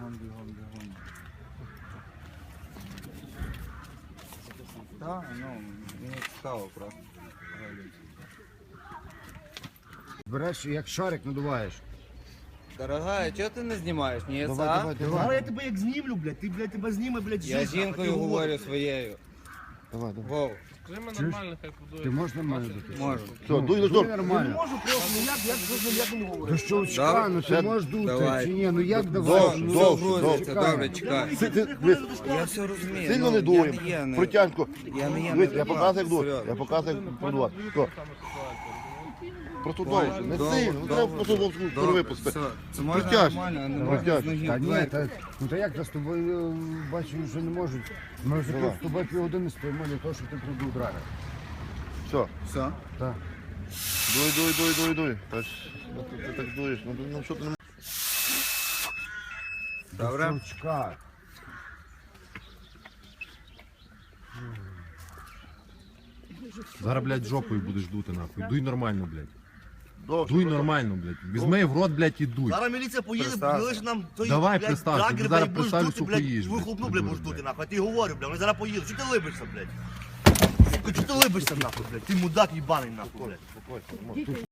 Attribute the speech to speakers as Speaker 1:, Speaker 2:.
Speaker 1: бігом. Так, ну, мені цікаво просто.
Speaker 2: Береш, як шарик надуваєш.
Speaker 1: Дорогая, чого ти не знімаєш? Ні,
Speaker 2: Давай.
Speaker 3: Але я тебе як знімлю, блядь, ти, блядь, тебе зніме, блядь,
Speaker 1: Я
Speaker 3: життя,
Speaker 1: жінкою
Speaker 3: ти
Speaker 1: говорю своєю.
Speaker 2: Давай.
Speaker 1: Вов,
Speaker 4: Скажи ми нормально, хай подує.
Speaker 2: Ти можеш нормально дути?
Speaker 1: можу.
Speaker 5: Все, дуй на
Speaker 2: Дуй
Speaker 5: жор.
Speaker 3: Я не
Speaker 2: нормально.
Speaker 3: можу просто, ну як не говорю.
Speaker 2: До щелчка, ну ти можеш дути,
Speaker 1: Давай.
Speaker 2: чи ні? Ну як давай? Ну,
Speaker 1: Грузиться,
Speaker 2: чекай.
Speaker 1: добре, чекай. Я все розумію.
Speaker 5: Сильно не
Speaker 1: Я
Speaker 5: дуємо.
Speaker 1: є, не-
Speaker 5: Протяжко.
Speaker 1: Я не є.
Speaker 5: Дивись,
Speaker 1: не
Speaker 5: я показую, як дує.
Speaker 1: серйозно.
Speaker 5: Я показую, як продувати. Все. Просто довше. Не
Speaker 1: Довго,
Speaker 5: сильно. Не
Speaker 1: довго.
Speaker 5: треба просто
Speaker 1: Добре,
Speaker 5: випусти.
Speaker 1: все. Це можна
Speaker 5: Протяж.
Speaker 1: нормально, а не
Speaker 2: Давай.
Speaker 1: можна з ноги.
Speaker 2: Та ні,
Speaker 1: Давай.
Speaker 2: ну та як та з тобою бачу, що не можуть. Ми вже
Speaker 5: Давай.
Speaker 2: тут з тобою півгодини стоїмо для того, щоб ти продув драга.
Speaker 5: Все.
Speaker 1: Все.
Speaker 2: Так.
Speaker 5: Дуй. Ти так дуєш. Ну що ти не
Speaker 1: Добре.
Speaker 2: Щелчка.
Speaker 6: Зараз, блядь, жопою будеш дути, нахуй. Дуй нормально, блядь.
Speaker 5: довше.
Speaker 6: Дуй нормально, блядь. Візьми в рот, блядь, і дуй.
Speaker 3: Зараз міліція поїде,
Speaker 1: Представся.
Speaker 3: лиш нам той,
Speaker 6: Давай,
Speaker 3: блядь,
Speaker 6: представся,
Speaker 3: драгер,
Speaker 6: ти зараз
Speaker 3: блядь, будеш
Speaker 6: представлю,
Speaker 3: дути,
Speaker 6: сука,
Speaker 3: блядь,
Speaker 6: їж,
Speaker 3: вихлопну,
Speaker 6: блядь,
Speaker 3: блядь,
Speaker 6: будеш,
Speaker 3: будеш дути,
Speaker 6: блядь.
Speaker 3: нахуй, а ти говорю, блядь, вони зараз поїдуть, що ти либишся, блядь? Сука, чого ти либишся, нахуй, блядь, ти мудак їбаний, нахуй, блядь.